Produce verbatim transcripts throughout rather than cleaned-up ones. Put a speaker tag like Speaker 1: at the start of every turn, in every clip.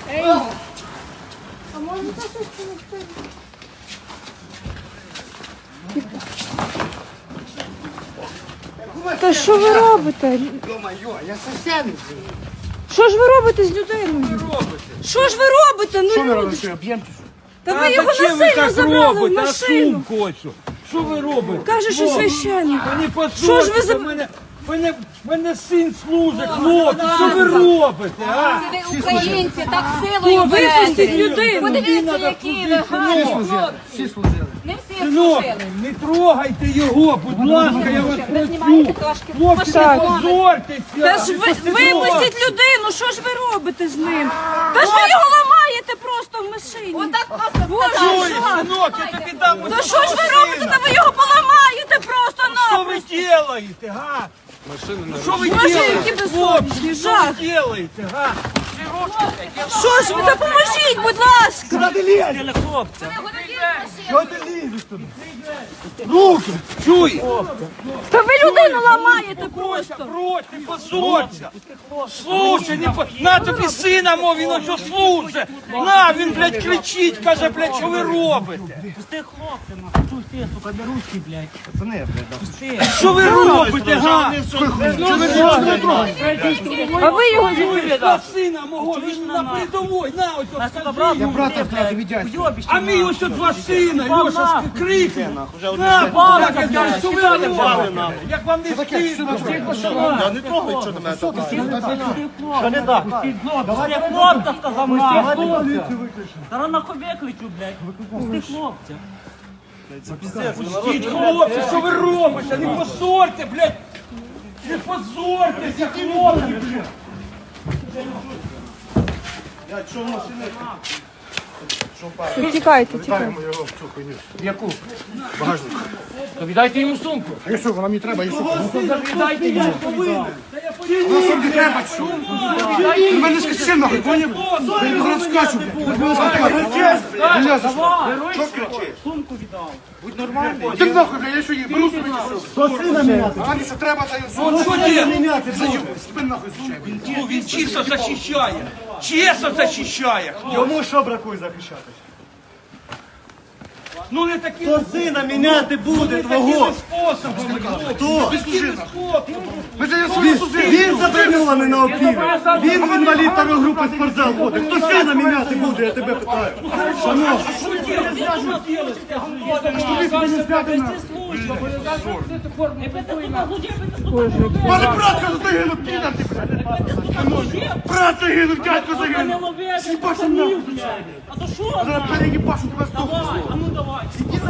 Speaker 1: Ей! А може це щось помогти? Та що ви робите?
Speaker 2: Я совсем.
Speaker 1: Що ж ви робите з людиною? Що ж ви робите? Ну,
Speaker 2: Що ви
Speaker 1: люди
Speaker 2: робите?
Speaker 1: ж-
Speaker 2: Що, об'ємте?
Speaker 1: Та ви його
Speaker 3: зачем ви
Speaker 1: насильно
Speaker 3: так
Speaker 1: забрали в
Speaker 3: робите? А
Speaker 1: машину.
Speaker 3: шум хочу. Що ви робите?
Speaker 1: Каже, що
Speaker 3: О,
Speaker 1: священник.
Speaker 3: Мені
Speaker 1: Що ж ви за...
Speaker 3: послухайте, мене, мене, мене син служить, хлопці, що ви робите, а?
Speaker 4: Ви українці, так силою
Speaker 1: Випустіть
Speaker 4: берете.
Speaker 1: людину.
Speaker 4: Подивіться, які ви гарні хлопці.
Speaker 2: Всі служили.
Speaker 4: Не всі
Speaker 3: Синок,
Speaker 4: служили.
Speaker 3: не трогайте його, будь ласка, я вас
Speaker 4: Ви знімаєте
Speaker 3: прошу.
Speaker 4: трошки.
Speaker 3: Хлопці, не
Speaker 1: Так.
Speaker 3: позортеся.
Speaker 1: Та ж ви, випустіть людину, що ж ви робите з ним? Та ж ви його ламаєте просто в машині.
Speaker 4: Отак просто
Speaker 1: Боже,
Speaker 3: Ой,
Speaker 1: жах.
Speaker 3: синок, я тобі дам
Speaker 1: Та
Speaker 3: ось
Speaker 1: що ж ви
Speaker 3: цього
Speaker 1: робите?
Speaker 3: сина.
Speaker 1: Та ви його поламаєте просто
Speaker 3: Що ви
Speaker 1: напросто.
Speaker 3: робите, га? Ну, Що ви
Speaker 1: Боже,
Speaker 3: робите?
Speaker 1: які безсовісні, жах.
Speaker 3: Що ви робите, га?
Speaker 1: Що ж ви, допоможіть, будь ласка.
Speaker 3: Що ти лізеш туди? Руки! Чуй!
Speaker 1: Та ви людину ламаєте
Speaker 3: Просто,
Speaker 1: просто.
Speaker 3: брось, не позорься! Слушай, не по... на тобі сина мов, він ось що служить! На, він, блядь, кричить, каже, блядь, що ви робите?
Speaker 5: Пусти хлопця, нахуй, чуй ти, сука, не русський, блядь.
Speaker 2: Пацани, блядь,
Speaker 5: Пусти.
Speaker 3: Що ви робите, га?
Speaker 1: А ви його
Speaker 3: На сина мого, він на передовій, на ось
Speaker 5: А
Speaker 3: ось
Speaker 5: сука,
Speaker 3: скажи
Speaker 5: брат,
Speaker 3: йому.
Speaker 2: брата втратив від дядька.
Speaker 5: уйобище,
Speaker 3: А мій ось от два сина, Льоша, крикне. На,
Speaker 5: бабка,
Speaker 3: бабка, я
Speaker 5: блядь,
Speaker 3: що ви робите? Як вам не стидно?
Speaker 2: Я не трогаю, що до мене так.
Speaker 5: Що не так? Пусти хлопця, сказав нахуй. Зараз нахуй викличу, блядь. Пусти хлопця.
Speaker 3: Пустіть, хлопці, що ви робите? Не позорте, блядь! Не позортеся, хлопці, блядь!
Speaker 1: Тікайте, тікайте.
Speaker 2: Яку?
Speaker 6: То віддайте йому сумку.
Speaker 2: А що, вона мені треба, і що?
Speaker 6: Віддайте йому.
Speaker 2: Вона сумки треба, що? У мене скачи нахуй, поняв? Я його розкачу, блядь. Мене скачу. Що кричиш?
Speaker 5: Сумку віддав.
Speaker 2: Ти нахуй, блядь, я що їх беру собі, чи що?
Speaker 7: То сина міняти.
Speaker 2: А мені що треба, та й
Speaker 3: Ну що є?
Speaker 7: Міняти.
Speaker 2: Заю, спин нахуй звичайно.
Speaker 3: Ну він чисто захищає. Чесно захищає.
Speaker 7: Йому що бракує захищатись?
Speaker 3: Ну не таким
Speaker 7: То сина міняти буде
Speaker 3: не
Speaker 7: твого.
Speaker 3: такими способами.
Speaker 7: Хто?
Speaker 3: Такими способами.
Speaker 2: Ми ж я собі служив.
Speaker 7: Він заброньований на опілі. Він в інвалід второї групи в спортзал ходить. Хто сина міняти буде, я тебе питаю. Шановні.
Speaker 3: Що робити? Що робити?
Speaker 2: Мене брат загинув, підар ти, блядь. Брат загинув, дядько
Speaker 5: Не
Speaker 2: загинув.
Speaker 5: лови,
Speaker 2: Їбашу нахуй.
Speaker 5: а то що?
Speaker 2: Зараз переїбашу тебе з того.
Speaker 5: Давай, а ну давай.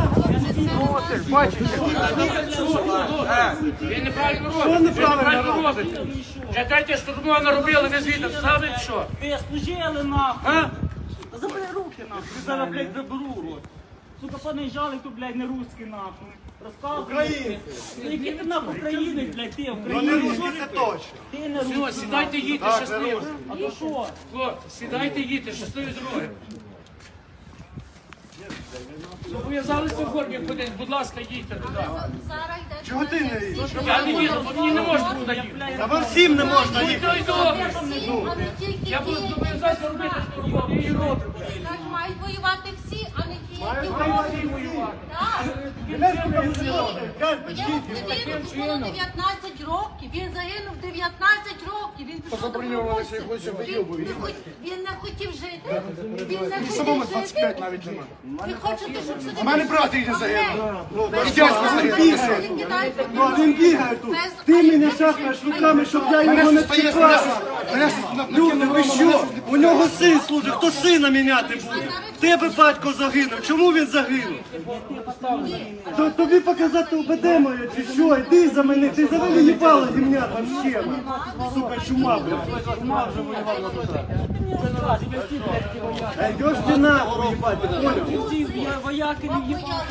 Speaker 6: Він неправильно робить. Він неправильно робить. Вже третє штурмова наробили, ви звідти встали, що?
Speaker 5: Ви служили нахуй.
Speaker 6: А?
Speaker 5: Та забери руки нахуй. Ти зараз, блядь, заберу рот. Сука, понаїжджали тут, блядь, не русські нахуй. Розказуй. Українці. Ну які ти нахуй українець, блядь, ти українець.
Speaker 7: Це точно.
Speaker 5: Ти не
Speaker 6: Все,
Speaker 5: русський.
Speaker 6: сідайте, їдьте щасливо.
Speaker 5: А то що?
Speaker 6: Хлопці, сідайте, їдьте, щасливі дороги. Зобов'язалися в формі ходити, будь ласка, їдьте туди.
Speaker 7: Чого ти не їдеш?
Speaker 6: Я не їду, бо мені не можна туди їхати.
Speaker 7: А вам всім не можна
Speaker 6: Ну,
Speaker 7: їхати.
Speaker 6: то й добре. Я буду зобов'язатися робити штурмову і роблю.
Speaker 4: Мають воювати всі, а не ті, які
Speaker 6: воювати.
Speaker 4: Так. Він було дев'ятнадцять років, він загинув дев'ятнадцять років, він пішов добровольцем. Він не хот- Він не хотів жити, він не
Speaker 2: Самому
Speaker 4: хотів
Speaker 2: двадцять п'ять
Speaker 4: жити.
Speaker 2: навіть нема.
Speaker 4: Ви хочете, щоб сюди...
Speaker 2: У мене брат їде загинув. І
Speaker 4: Без
Speaker 2: дядько
Speaker 4: того,
Speaker 2: загинув.
Speaker 4: ви кидаєте
Speaker 7: Ну, а він бігає тут. Ти мене шахаєш руками, щоб я його
Speaker 2: Мене
Speaker 7: не
Speaker 2: стає, мене
Speaker 7: чіпав.
Speaker 2: мене на
Speaker 7: Люди, ви що? У нього син служить, хто сина міняти буде? В тебе батько загинув. Чому він загинув? То, тобі показати УБД моє чи що? Іди за мене, ти за мене їбало зімня там ще. Сука, чума, блядь. Чума вже воював на душа. Йдеш ти нахуй, їбать, ти понял?
Speaker 5: Ці вояки не їбали.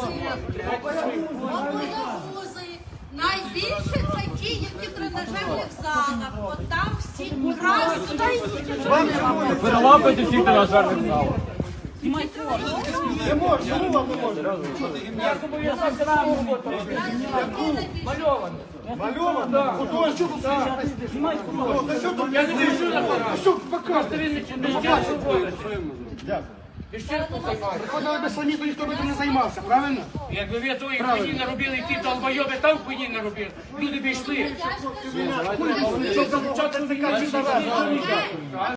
Speaker 4: Боягузи. Найбільше це ті, які в тренажерних залах. От там всі красні.
Speaker 6: Перелапайте всіх тренажерних залах.
Speaker 5: Знімай форму.
Speaker 7: Не можна, чому вам не можна?
Speaker 5: Я зобов'язав справу роботу робити.
Speaker 6: Мальовано.
Speaker 7: Мальовано? Художник, так.
Speaker 5: Знімай форму.
Speaker 7: Та що тут
Speaker 6: Я не хочу на парад.
Speaker 2: Що показує?
Speaker 6: Просто він не не щасливо робить.
Speaker 2: Дякую.
Speaker 6: І ще займається.
Speaker 2: Приходили би самі, то ніхто би тим не займався, правильно?
Speaker 6: Якби ви тої хуйні не робили, і ті долбойоби там хуйні не робили, люди б йшли.
Speaker 7: Що за початок це кажуть,